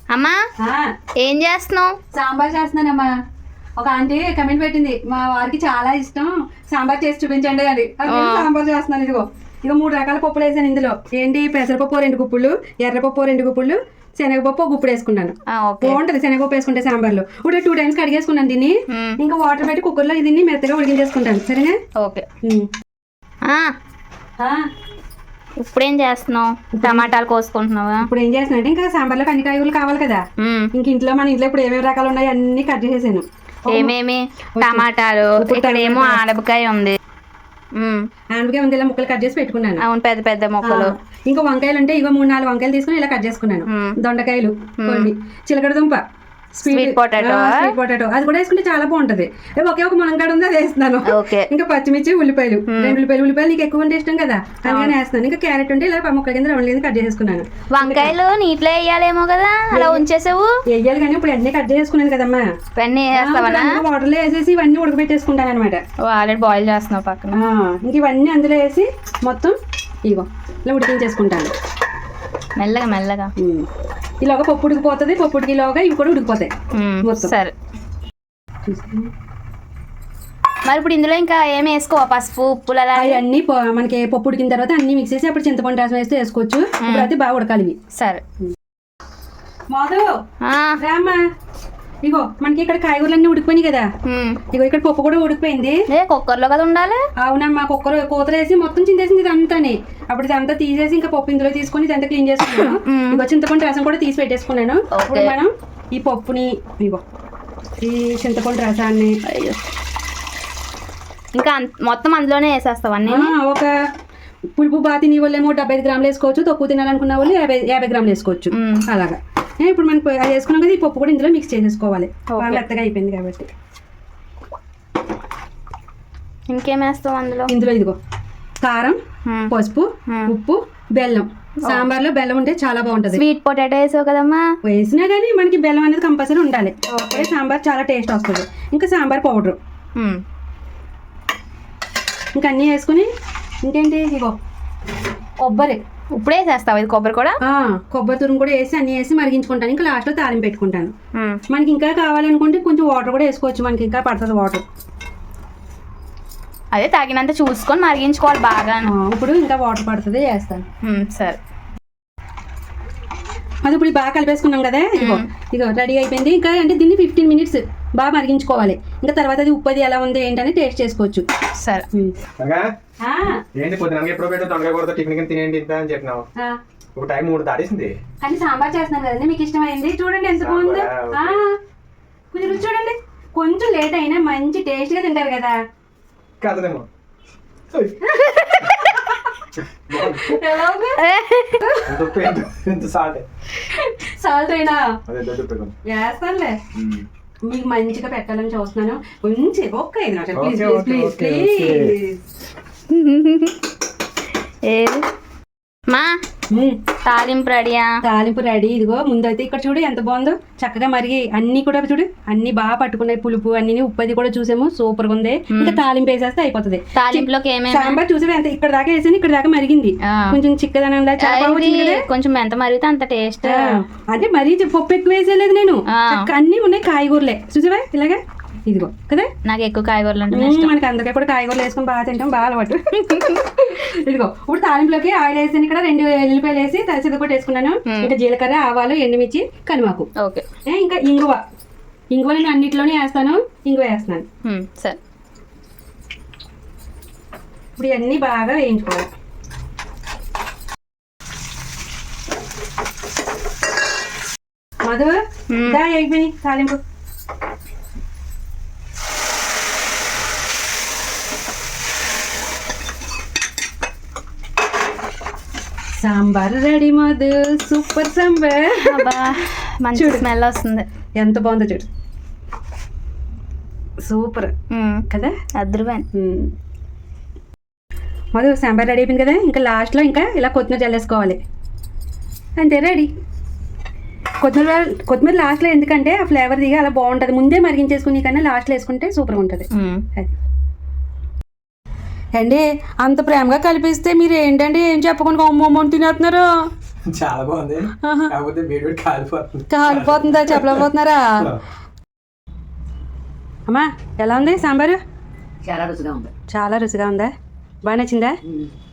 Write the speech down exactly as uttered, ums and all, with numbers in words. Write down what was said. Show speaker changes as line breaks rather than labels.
అమ్మా ఏం చేస్తున్నావు?
సాంబార్ చేస్తున్నానమ్మా. ఒక ఆంటీ కమెంట్ పెట్టింది, మా వారికి చాలా ఇష్టం సాంబార్ చేసి చూపించండి అని. సాంబార్ చేస్తున్నాను. ఇదిగో ఇక మూడు రకాల పప్పులు వేసాను ఇందులో. ఏంటి, పెసరపప్పు రెండు గుప్పులు, ఎర్రపప్పు రెండు గుప్పులు, శనగపప్పు ఒక గుప్పుడు వేసుకున్నాను. బాగుంటది శనగపప్పు వేసుకుంటే సాంబార్లో. ఇప్పుడు టూ టైమ్స్ కడిగేసుకున్నాను దీన్ని. ఇంకా వాటర్ పెట్టి కుక్కర్లో దీన్ని మెత్తగా ఉడికించేసుకుంటాను. సరేనా? ఓకే.
ఇప్పుడేం చేస్తున్నావు? టమాటాలు కోసుకుంటున్నావా?
ఇప్పుడు ఏం చేస్తున్నా అంటే, ఇంకా సాంబార్లో అన్ని కాయగూరలు కావాలి కదా. ఇంక ఇంట్లో మన ఇంట్లో ఇప్పుడు ఏమేమి రకాలు ఉన్నాయి అన్ని కట్ చేసేసాను.
ఏమేమి? టమాటాలు, ఇక్కడేమో ఆనపకాయ ఉంది,
ఆనపకాయ ఉంది, ఇలా ముక్కలు కట్ చేసి పెట్టుకున్నాను.
అవును, పెద్ద పెద్ద ముక్కలు.
ఇంకా వంకాయలు ఉంటే ఇగో మూడు నాలుగు వంకాయలు తీసుకుని ఇలా కట్ చేసుకున్నాను. దొండకాయలు కొన్ని, చిలకడ దుంప,
స్వీట్ పొటాటో,
స్వీట్ పొటాటో అది కూడా వేసుకుంటే చాలా బాగుంటది. ఒకే ఒక మునంకాడ ఉంది, అది వేస్తున్నాను. ఇంకా పచ్చిమిర్చి, ఉల్లిపాయలు, రెండు ఉల్లిపాయలు. ఉల్లిపాయలు నీకు ఎక్కువ అంటే ఇష్టం కదా, అందుకని వేస్తున్నాను. ఇంకా క్యారెట్ ఉంటే ఇలా ముక్కల కింద రౌండ్ కింద కట్ చేసుకున్నాను.
వంకాయలు నీటిలో వేయాలేమో కదా, అలా ఉంచేసావు?
వేయాలి, కానీ ఇప్పుడు అన్ని కట్ చేసుకున్నాను కదమ్మా. వాటర్ లో వేసేసి ఇవన్నీ ఉడకబెట్టేసుకుంటాను అనమాట.
ఆల్రెడీ బాయిల్ చేస్తున్నావు పక్కన.
ఇంక ఇవన్నీ అందులో వేసి మొత్తం ఇగో ఇలా ఉడికించేసుకుంటాను
మెల్లగా మెల్లగా.
ఇలాగ పప్పు ఉడికిపోతుంది, పప్పు ఉడికిలోగా ఇవి కూడా ఉడికిపోతాయి మొత్తం.
సరే, మరి ఇప్పుడు ఇందులో ఇంకా ఏమి వేసుకోవా? పసుపు, ఉప్పులు అలా
అవన్నీ మనకి పప్పు ఉడికిన తర్వాత అన్ని మిక్స్ చేసి అప్పుడు చింతపండు రసం వేస్తే వేసుకోవచ్చు. ఇప్పుడు అయితే బాగా ఉడకాలి ఇవి.
సరే
మాధు రామ్మా, ఇగో మనకి ఇక్కడ కాయగూరలన్నీ ఉడికిపోయినాయి కదా. ఇగో ఇక్కడ పప్పు కూడా ఉడికిపోయింది.
కుక్కర్ లో కదా ఉండాలి.
అవునమ్మా, కుక్కర్ కూతలు వేసి మొత్తం చింతేసింది ఇదంతాని. అప్పుడు ఇదంతా తీసేసి ఇంకా పప్పు ఇందులో తీసుకొని ఇదంతా క్లీన్ చేసుకున్నాను. ఇగో చింతపండు రసం కూడా తీసి పెట్టేసుకున్నాను. ఇప్పుడు మనం ఈ పప్పుని, ఇగో ఈ చింతపండు రసాన్ని
ఇంకా మొత్తం అందులోనే వేసేస్తావన్నీ.
ఒక పులుపు బాగా తినే వాళ్ళేమో డెబ్బై ఐదు గ్రాములు వేసుకోవచ్చు, తక్కువ తినాలనుకున్న వాళ్ళు యాభై యాభై గ్రాములు వేసుకోవచ్చు. అలాగా ఇప్పుడు మనకు అది వేసుకున్నాం కదా, ఈ పప్పు కూడా ఇందులో మిక్స్ చేసేసుకోవాలి. బాగా మెత్తగా అయిపోయింది కాబట్టి.
ఇంకేం వేస్తాం అందులో?
ఇందులో ఇదిగో కారం, పసుపు, ఉప్పు, బెల్లం. సాంబార్ లో బెల్లం ఉంటే చాలా బాగుంటది.
స్వీట్ పొటాటో వేసావు కదమ్మా.
వేసినా కానీ మనకి బెల్లం అనేది కంపల్సరీ ఉండాలి. సాంబార్ చాలా టేస్ట్ వస్తుంది. ఇంకా సాంబార్ పౌడర్ ఇంకా అన్నీ వేసుకుని, ఇంకేంటి ఇగో కొబ్బరి
ఇప్పుడే వేసేస్తావు. ఇది కొబ్బరి కూడా,
కొబ్బరి తురుము కూడా వేసి అన్ని వేసి మరిగించుకుంటాను. ఇంకా లాస్ట్ లో తాలింపు పెట్టుకుంటాను. మనకి ఇంకా కావాలనుకుంటే కొంచెం వాటర్ కూడా వేసుకోవచ్చు, మనకి ఇంకా పడుతుంది వాటర్.
అదే తగినంత చూసుకొని మరిగించుకోవాలి బాగా.
ఇప్పుడు ఇంకా వాటర్ పడుతుంది, వేస్తాను.
సరే,
అది ఇప్పుడు బాగా కలిపేసుకున్నాం కదా. ఇగో ఇగో రెడీ అయిపోయింది. ఇంకా అంటే దీన్ని ఫిఫ్టీన్ మినిట్స్ బాగా మరిగించుకోవాలి. ఇంకా తర్వాత అది ఉప్పు అది ఎలా ఉంది ఏంటని టేస్ట్ చేసుకోవచ్చు.
సరే,
కానీ సాంబార్ చేస్తున్నాను కదండి, మీకు ఇష్టమైంది. చూడండి ఎంత బాగుందో. కొంచెం రుచి చూడండి. కొంచెం లేట్ అయినా మంచి టేస్ట్ గా తింటారు కదా. సాల్ట్ అయినా వేస్తానులే, మీకు మంచిగా పెట్టాలని చూస్తున్నాను. కొంచెం ఒక్క ఐదు నిమిషాలు ప్లీజ్ ప్లీజ్ ప్లీజ్
ప్లీజ్. మా తాలింపు రెడీయా?
తాలింపు రెడీ. ఇదిగో ముందైతే ఇక్కడ చూడు ఎంత బాగుందో, చక్కగా మరిగి అన్ని కూడా చూడు అన్ని బాగా పట్టుకున్నాయి. పులుపు అన్ని ఉప్పు అది కూడా చూసాము, సూపర్ గా ఉంది. ఇంకా తాలింపు వేసేస్తే అయిపోతుంది.
తాలింపులోకి
సాంబార్ చూసాము ఎంత ఇక్కడ దాకా వేసాను, ఇక్కడ దాకా మరిగింది. కొంచెం చిక్కదనం
కొంచెం ఎంత మరిగితే అంత టేస్ట్.
అంటే మరీ పప్పు ఎక్కువ వేసేలేదు నేను, అన్ని ఉన్నాయి కాయగూరలే. చూసావా ఇలాగా, ఇదిగో కదా.
నాకు ఎక్కువ కాయగూరలు అంటే
మనకి అందరికీ కూడా కాయగూరలు వేసుకొని బాగా తింటాం, బాగా అలవాటు. ఇదిగో ఇప్పుడు తాలింపులోకి ఆయిల్ వేసాను, ఇక్కడ రెండు ఎల్లిపాయలు వేసి సిద్ధపట్టు వేసుకున్నాను. ఇంకా జీలకర్ర, ఆవాలు, ఎండుమిర్చి, కనిమాకు, ఇంకా ఇంగువ. ఇంగువ నేను అన్నిట్లోనే వేస్తాను, ఇంగువ వేస్తున్నాను.
సరే,
ఇప్పుడు ఇవన్నీ బాగా వేయించుకోవాలి. మధు దా అయిపోయి తాలింపు. Sambar ready Madhu, super sambar.
మంచి స్మెల్ వస్తుంది.
ఎంత బాగుందో చూడు, సూపర్ కదా.
అద్భుతం
మధు. సాంబార్ రెడీ అయిపోయింది కదా. ఇంకా లాస్ట్లో ఇంకా ఇలా కొత్తిమీర చల్లేసుకోవాలి, అంతే రెడీ. కొత్తిమీర కొత్తిమీర లాస్ట్లో ఎందుకంటే ఆ ఫ్లేవర్ దిగా అలా బాగుంటుంది. ముందే మరిగించేసుకుని కన్నా లాస్ట్లో వేసుకుంటే సూపర్గా ఉంటుంది. అది అండి, అంత ప్రేమగా కలిపిస్తే మీరు ఏంటండి ఏం చెప్పకుండా అమ్మమ్మని తినేస్తున్నారు.
చాలా బాగుంది, కాకపోతే వేడి వేడి కాలిపోతుంది.
కాలిపోతుందా చెప్పలేకపోతున్నారా? అమ్మా ఎలా ఉంది సాంబారు?
చాలా రుచిగా ఉంది.
చాలా రుచిగా ఉందా? బాగా నచ్చిందా?